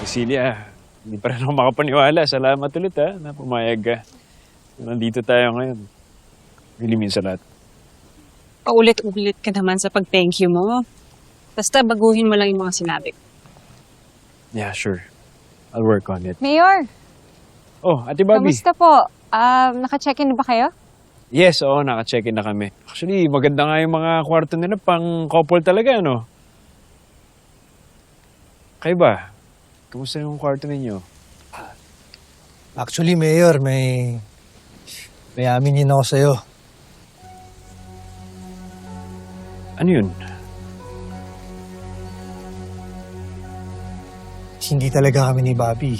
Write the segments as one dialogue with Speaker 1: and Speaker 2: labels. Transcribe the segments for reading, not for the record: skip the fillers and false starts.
Speaker 1: Cecilia, hindi pa rin ako makapaniwala. Salamat ulit na pumayag ka. Nandito tayo ngayon. Really means a lot.
Speaker 2: Paulit-ulit ka naman sa pag-thank you mo. Basta baguhin mo lang yung mga sinabi ko.
Speaker 1: Yeah, sure. I'll work on it.
Speaker 3: Mayor,
Speaker 1: Oh, Ate Bobby.
Speaker 3: kamusta po? Naka-check-in na ba kayo?
Speaker 1: Yes, oo, naka-check-in na kami. Actually, maganda nga yung mga kwarto nila, pang couple talaga, no? Kayo ba? Kamusta yung kwarto ninyo?
Speaker 4: Actually, Mayor, may aminin ako sa'yo.
Speaker 1: Ano yun?
Speaker 4: Hindi talaga kami ni Bobby.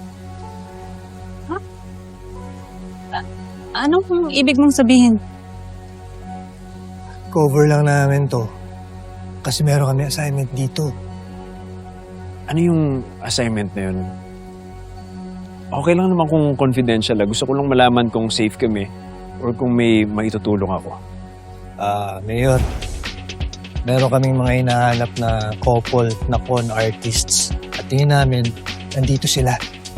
Speaker 2: Anong ibig mong sabihin?
Speaker 4: Cover lang namin to. Kasi meron kami assignment dito.
Speaker 1: Ano yung assignment na yun? Okay lang naman kung confidential. Gusto ko lang malaman kung safe kami or kung may maitutulong ako.
Speaker 4: Mayor, meron kaming mga hinahanap na couple na con artists. At tingin namin, nandito sila.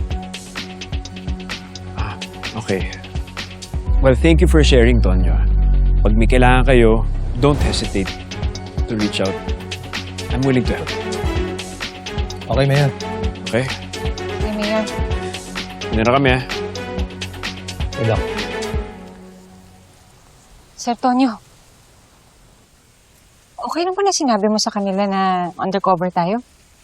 Speaker 1: Okay. Well, thank you for sharing, Tonyo. Pag may kailangan kayo, don't hesitate to reach out. I'm willing to help.
Speaker 4: Okay, Mayor.
Speaker 1: Okay?
Speaker 3: Hey, Mayor.
Speaker 1: Hindi na kami,
Speaker 4: Wala.
Speaker 3: Sir Tonyo, okay lang ba na sinabi mo sa kanila na undercover tayo?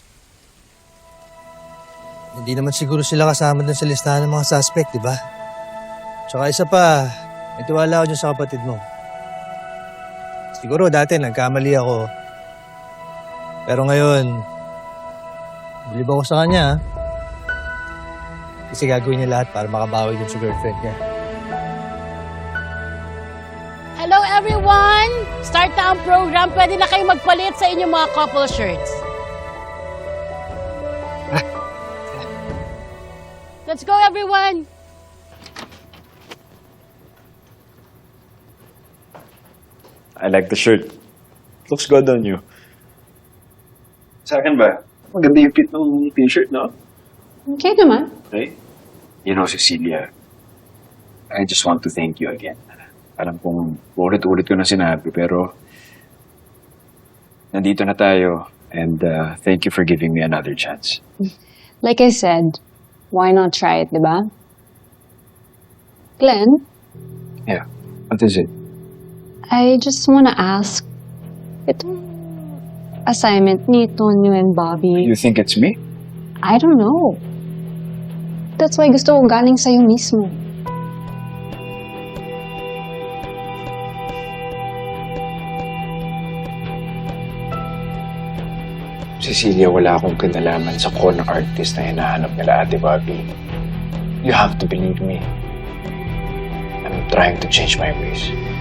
Speaker 4: Hindi naman siguro sila kasama dun sa listahan ng mga suspect, di ba? Tsaka isa pa, may tiwala ako dyan sa kapatid mo. Siguro dati nagkamali ako. Pero ngayon, bilib ako sa kanya. Kasi gagawin niya lahat para makabawi dun sa girlfriend niya.
Speaker 5: Hello everyone! Start na ang program. Pwede na kayo magpalit sa inyong mga couple shirts. Let's go everyone!
Speaker 1: I like the shirt. Looks good on you. Sa akin ba? Maganda yung fit ng t-shirt, no?
Speaker 5: Okay naman.
Speaker 1: Okay? You know, Cecilia, I just want to thank you again. Alam kong ulit-ulit ko na sinabi, pero nandito na tayo and thank you for giving me another chance.
Speaker 6: Like I said, why not try it, di ba? Glenn,
Speaker 1: Yeah. What is it?
Speaker 6: I just wanna ask, itong assignment ni Tonyo and Bobby,
Speaker 1: You think it's me?
Speaker 6: I don't know. That's why gusto ko galing sa'yo mismo.
Speaker 1: Cecilia, wala akong kinalaman sa con artist na hinahanap nila Ate Bobby. You have to believe me. I'm trying to change my ways.